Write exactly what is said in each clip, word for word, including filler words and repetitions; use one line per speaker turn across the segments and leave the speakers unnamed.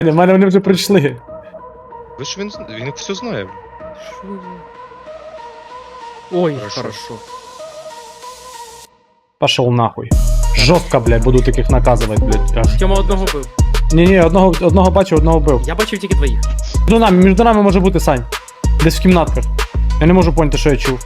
У мене вони вже прийшли.
Ви ж він, він все знає.
Що за... Ой,
Хорошо.
хорошо.
Пошел нахуй. Жорстко, блядь, буду таких наказувати, блядь. Аж.
Тьома одного бив.
Ні-ні, одного, одного бачив, одного бив.
Я бачив тільки двоїх.
Між нами, між нами може бути, Сань. Десь в кімнатках. Я не можу поняти, що я чув.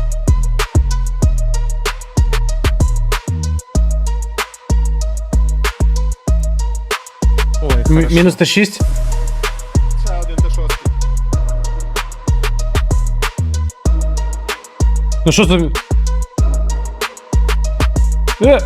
Ой,
М-
хорошо.
мінус Т шість.
Це один Т шість.
Ну що за... Е!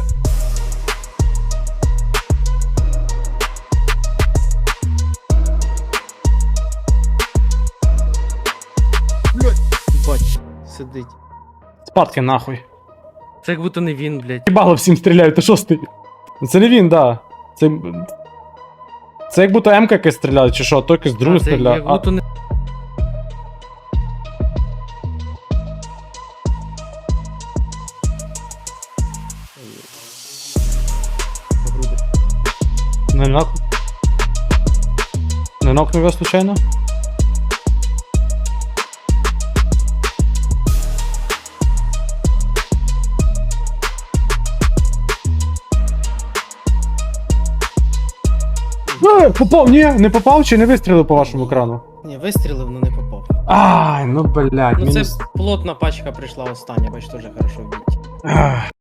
Бать, сидить.
Спадки нахуй.
Це як будто не він, блядь.
Їбало всім стріляють, ти шостий. Ну це не він, да. Це... Це як будто М-ка якась стріляє, чи що, а то якийсь другий
А, це
стріляє.
як будто не... Грубо.
А, не нок. Не нокнув його случайно? Е, попав, ні, не попав чи не вистрілив по вашому екрану?
Ні, вистрілив, але не попав.
Ай, ну блядь,
Ну
мінус...
це плотна пачка прийшла остання, бач, теж хорошо вбить.
Ах.